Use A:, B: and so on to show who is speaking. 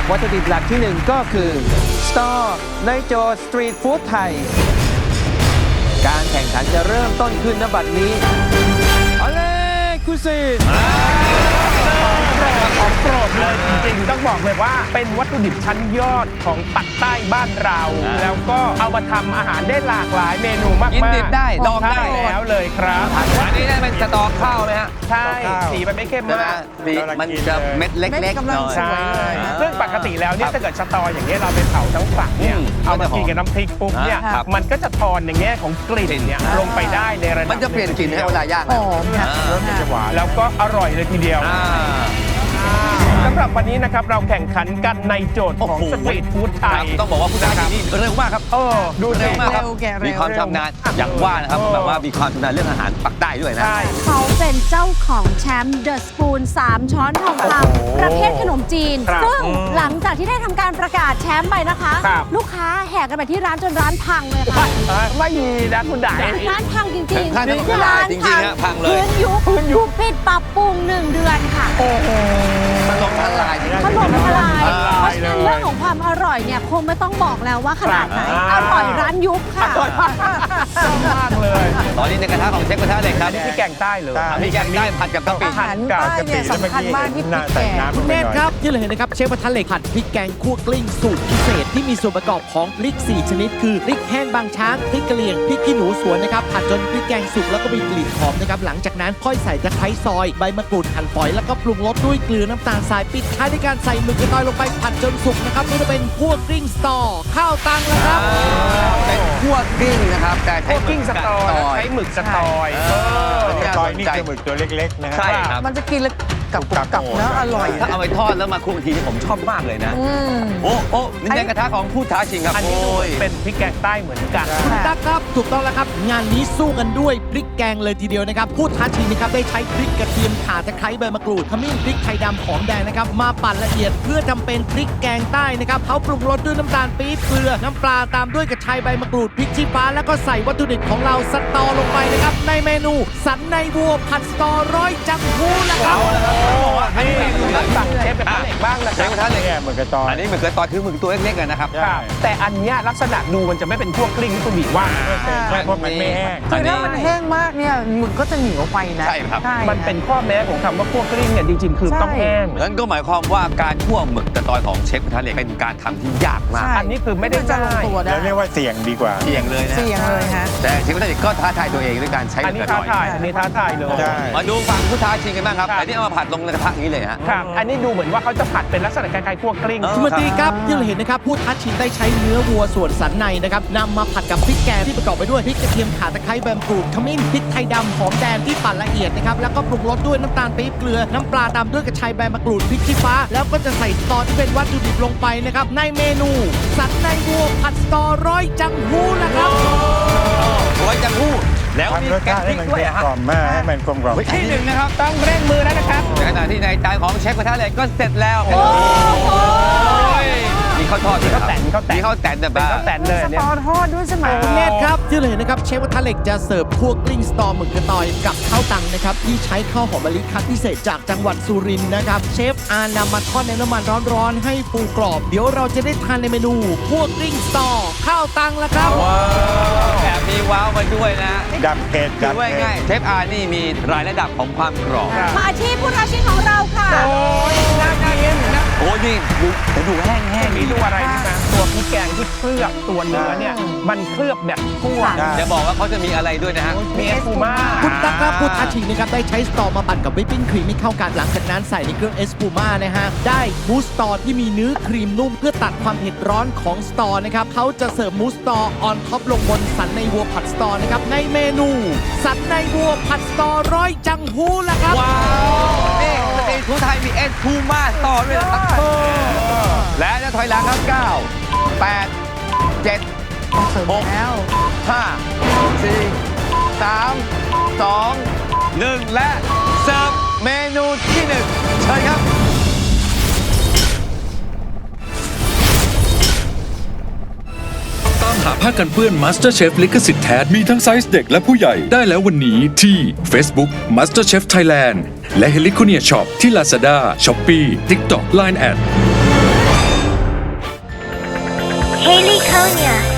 A: วัตถุดิบหลักที่1ก็คือสตอในโจทย์สตรีทฟู้ดไทยการแข่งขันจะเริ่มต้นขึ้นณบัดนี้เอาเลยคุซิน
B: ของโปรดเลยจริงๆต้องบอกเลยว่าเป็นวัตถุดิบชั้นยอดของปักใต้บ้านเรา แล้วก็เอามาทำอาหารได้หลากหลายเมนูมากๆ
A: กินดิบได้ดองได้
B: แล้วเลยครับ
A: อันนี้ได้เป็นสตอข้าวไหมฮะ
B: ใช่สีมันไม่เข้มมาก
A: มันจะเม็ดเล็กๆหน่อย
B: ใช่ซึ่งปกติแล้วเนี่ยถ้าเกิดสตออย่างเงี้ยเราไปเผาทั้งฝักเนี่ยเอามากินกับน้ำพริกปุ๊บเนี่ยมันก็จะทอนในแง่ของกลิ่นเนี่ยลงไปได้ในระดับ
A: มันจะเปลี่ยนกลิ่นให้เวลาย่างหอม
B: จะหวานแล้วก็อร่อยเลยทีเดียวสำหรับวันนี้นะครับเราแข่งขันกันในโจทย์ของสตรีทฟู้ดไทย
A: ต้องบอกว่าผู้ท้าชิงนี่เร็วมากครับ
B: ดู
A: เร็วมากครับ
C: มี
A: มีความชำนาญอย่างว่านะครับแบบว่ามีความชำนาญเรื่องอาหารปักใต้ด้วยนะ
C: เขาเป็นเจ้าของแชมป์เดอะสปูน3 ช้อนทองคำประเภทขนมจีนซึ่งหลังจากที่ได้ทำการประกาศแชมป์ไปนะคะลูกค้าแห่กันไปที่ร้านจนร้านพังเลยค่ะ
B: ไม่มีนะคุณด่า
C: ร้านพังจริงๆร้าน
A: พังเลย
C: พื้นยุบปิดปรับปรุง1 เดือนค่ะ
A: มันลงทลาย
C: ถล่มทลายเพราะฉะนั้นเรื่องของความอร่อยเนี่ยคงไม่ต้องบอกแล้วว่าขนาดไหนอร่อยร้านยุบค่ะ
B: มากเลย
A: ตอนนี้ในกระทะของเชฟกระทะเหล็กครับ
B: นี่พี่แกงใต้เลย
A: พี่แกงใต้ผัดกับกะปิ
C: อาหารใต้เนี่ยสำคัญมากที่พริกแกง
D: คุณเนตรครับที่เราเห็นนะครับเชฟกระทะเหล็กผัดพริกแกงคั่วกลิ้งสูตรพิเศษที่มีส่วนประกอบของพริก4 ชนิดคือพริกแห้งบางช้างพริกกะเหรี่ยงพริกขี้หนูสวนนะครับผัดจนพริกแกงสุกแล้วก็มีกลิ่นหอมนะครับหลังจากนั้นค่อยใส่ตะไคร้ซอยใบมะกรูดหั่นฝอยแล้วก็ปรุงรสด้วยเกลือน้ำตาลทรายปิดท้ายด้วยการใส่หมึกกระตอยลงไปผัดจนสุกนะครับนี่จะเป็นคั่วกลิ้งสตอข้าวตังแล้วครับ
A: เป็นคั่วกลิ้งนะครับแต่
B: ใช้หมึกสตอใช้หมึกสตอย
E: สตอยนี่คือหมึกตัวเล็กๆนะ
A: ใช่ครับ
C: มันจะกินแล้วกับเนื้ออร่อย
A: ถ้าเอาไปทอดแล้วมาคั่วทีนี่ผมชอบมากเลยนะโอ้นี่ในกระทะของผู้ท้าชิงครับ
B: อันนี้เป็นพริกแกงใต้เหมือนกัน
D: คุณตั๊กครับถูกต้องแล้วครับงานนี้สู้กันด้วยพริกแกงเลยทีเดียวนะครับผู้ท้าชิงนะครับได้ใช้พริกกระเทียมข่าตะไคร้ใบมะกรูดขมิ้นพริกไทยดำหอมแดงนะครับมาปั่นละเอียดเพื่อทำเป็นพริกแกงใต้นะครับเขาปรุงรสด้วยน้ำตาลปี๊บเกลือน้ำปลาตามด้วยกระชายใบมะกรูดพริกชี้ฟ้าแล้วก็ใส่วัตถุดิบของเราสตอลงไปนะครับในเมนูสันในวัวผัดสตอร้อยจังหูนะครับ
B: สั่งเชฟกระทะเหล็กบ้างนะค
A: เช
B: รับ
A: ฟกระทะเหล็ก
E: หมึกกระตอย
A: อันนี้หมึกกระตอยคือหมึกตัวเล็กๆนะครับ
B: แต่อันเนี้ยลักษณะดูมันจะไม่เป็นพวกกลิ้งที่คุณบีว่า
E: เพราะมันไม่แห้ง
C: คือถ้ามันแห้งมากเนี่ยหมึกก็จะเหนียวไปนะ
A: ใช่ครับ
B: มันเป็นข้อแม้ของคำว่าพวกกลิ้งเนี่ยจริงๆคือต้องแห้ง
A: นั่นก็หมายความว่าการคั่วหมึกกระตอยของเชฟกระทะเหล็กเป็นการทำที่ยากมาก
B: อันนี้คือไม่ได้ง่าย
E: เราเรียกว่าเสี่ยงดีกว่า
A: เสี่ยงเลยนะ
C: เสี่ยงเลยฮะ
A: แต่เชฟกระทะเหล็กก็ท้าทายตัวเองด้วยการใช้หมึกกระตอย
B: อันนี้ท้าทายเลย
A: มาดูฝั่งผู้ท้าชิงกันบ้างครับอันนี้เอามาผัดลงในกระทะอย่างนี้เลยฮะ
B: ครับอันนี้ดูเหมือนว่าเขาจะผัดเป็นลักษณะคล้ายๆคั่วกลิ้ง
D: คุณมนตรีครับที่เราเห็นนะครับผู้ท้าชิงได้ใช้เนื้อวัวส่วนสันในนะครับนำมาผัดกับพริกแกงที่ประกอบไปด้วยพริกกระเทียมข่าตะไคร้ใบมะกรูดขมิ้นพริกไทยดำหอมแดงที่ปั่นละเอียดนะครับแล้วก็ปรุงรสด้วยน้ำตาลปี๊บเกลือน้ำปลาตามด้วยกระชายใบมะกรูดพริกชี้ฟ้าแล้วก็จะใส่สตอที่เป็นวัตถุดิบลงไปนะครับในเมนูสันในวัวผัดสตอร้อยจังหูนะครับ
A: ร้อยจังหูแล้วมีแกงพริกด้วย
E: กล่อมมากให้มันกลมกล่อม
A: ที่หนึ่งนะครับ
B: ต้องเร่งมือแล้วนะครับ
A: ในขณะที่ในจานของเชฟกระทะเหล็กก็เสร็จแล้วมีข้าวทอดมีข้าวแตนแต่
B: เป็นข้าวแตนเลยเนี่ย
C: ทอดด้วยใช่ไหม
D: คุณเนตรครับที่เราเห็นนะครับเชฟกระทะเหล็กจะเสิร์ฟคั่วกลิ้งสตอหมึกกระตอยกับข้าวตังนะครับที่ใช้ข้าวหอมมะลิคั้นพิเศษจากจังหวัดสุรินทร์นะครับเชฟนำมาทอดในน้ำมันร้อนๆให้ฟูกรอบเดี๋ยวเราจะได้ทานในเมนูคั่วกลิ้งสตอข้าวตังแล้วครับ
A: แบบมีว้าวมาด้วยนะ
E: ดับเผ็ด
A: ดูง่ายเชฟนี่มีรายระดับของความกรอบ
C: มาที่ผู้ท้าชิงของเราค่ะ
B: โอ้ยน่ากิน
A: โอ้ยนี่ดูแห้ง
B: มีดูอะไรนะตัวพริกแกงที่เคลือบตัวเนื้อเนี่ยมันเคลือบแบบคั่ว
A: จะบอกว่าเขาจะมีอะไรด้วยนะฮะ
B: มีเอสพูม่า
D: คุณตั๊กครับผู้ท้าชิงนะครับได้ใช้สตอมาปั่นกับวิปปิ้งครีมให้เข้ากันหลังจากนั้นใส่ในเครื่องเอสพูม่านะฮะได้มูสตอที่มีเนื้อครีมนุ่มเพื่อตัดความเผ็ดร้อนของสตอนะครับเขาจะเสิร์ฟมูสตอออนท็อปลงบนสันในวัวผัดสตอนะครับในเมนูสันในวัวผัดสตอร้อยจังหูล่ะครับ
A: ว้าวนี่สตรีทฟู้ดไทยมีเอสพูม่าต่อด้วยนะครับและจะถอยหลังครับ9 8 7 6 5 4 3 2 1และเสิร์ฟเมนูที่1เชิญครับ
F: ตามหาผ้ากันเปื้อน MasterChef ลิขสิทธิ์แท้มีทั้งไซส์เด็กและผู้ใหญ่ได้แล้ววันนี้ที่ Facebook MasterChef Thailand และ Heliconia Shop ที่ Lazada, Shopee, TikTok, Line@
G: Haley Konya.